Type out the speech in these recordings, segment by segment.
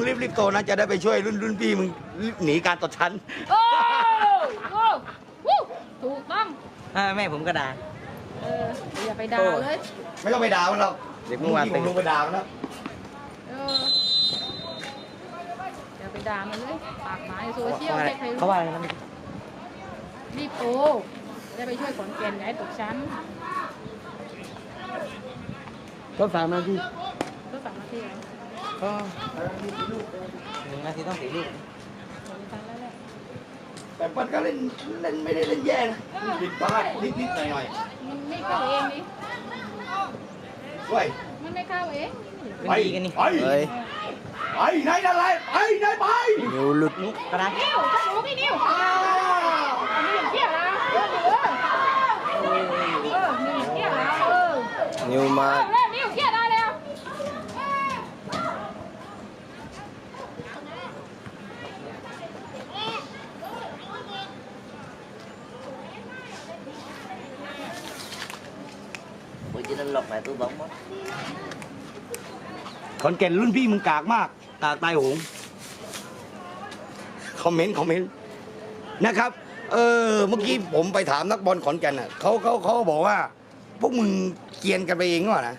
รีบโตนะจะได้ไปช่วยรุ่นพี่มึงหนีการตดชั้นโอ้โหวู้ถูกต้องแม่ผมก็ด่าอย่าไปด่าเลยไม่ต้องไปด่ามันหรอกเด็กเมื่อวานผมลงไปด่ามันแล้วอย่าไปด่ามันเลยปากหมาในโซเชียลใครเขาว่าอะไรนะรีบโตจะไปช่วยขอนแก่นย้ายตกชั้นก็ฝากมาที่ก็สั่งมาที่ไหนก็1 นาทีต้อง4 ลูกทันแล้วแหละแต่มันก็เล่นไม่ได้เล่นแย่นะผิดพลาดนิดหน่อยมันไม่เข้าเองนี่ๆด้วยมันไม่เข้าเองเป็นดีกันนี่ไปไหนนั่นไรไปไหนไปนิ้วหลุดนุกกระดาษนิ้วต้องรู้พี่นิ้วนิ้วเที่ยวนะนิ้วเที่ยวนะนิ้วมาเริ่มนิ้วเที่ยวได้แล้ว Ủa chứ nó lọt lại tôi bóng mất ขอนแก่นรุ่นพี่มึงกากมากกากตายโหงคอมเมนต์นะครับเมื่อกี้ผมไปถามนักบอลขอนแก่นอ่ะเขาบอกว่า พวกมึงเกรียนกันไปเองหรือเปล่านะ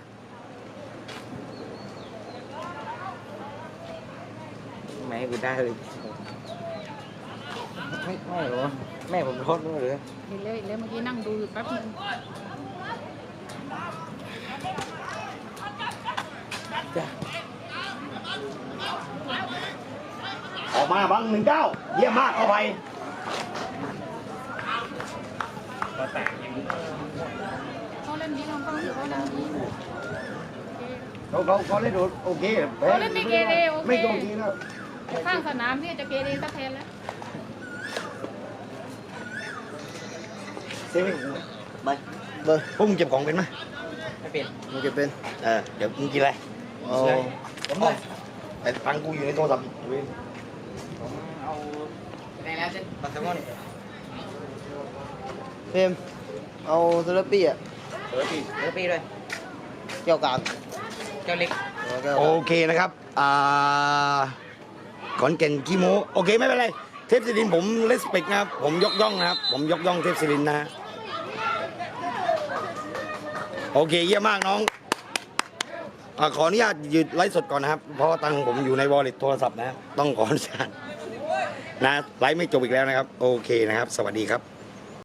Mẹ người ta thì Mẹ rồi Mẹผมโทษด้วยหรือเห็นเลยเมื่อกี้นั่งดูอยู่แป๊บนึงออกมาบัง19เยี่ยมมากเอาไปเขาเล่นดีน้องเขาเล่นดีเขาเล่นโอเคเขาเล่นไม่เกเรโอเคไม่โกงทีแล้วข้างสนามที่จะเกเรสักแทนแล้วเซฟให้กูไปพวกมึงเก็บของเป็นไหมไม่เป็นมึงเก็บเป็นเดี๋ยวมึงกินอะไรแต่ตังกูอยู่ในโทรศัพท์ผมเอาในแล้วจะปัสสาวะเฟรมเอาเซเลปี้อ่ะเออปีด้วยเกี่ยวกับเจ้าเล็กโอเคนะครับขอนแก่นขี้โม้โอเคไม่เป็นไรเทพศิรินผมเลสเปกนะครับผมยกย่องนะครับผมยกย่องเทพศิรินนะโอเคเยี่ยมมากน้องขออนุญาตหยุดไลฟ์สดก่อนนะครับเพราะตังค์ผมอยู่ในวอลเล็ตโทรศัพท์นะต้องขออนุญาตนะไลฟ์ไม่จบอีกแล้วนะครับโอเคนะครับสวัสดีครับ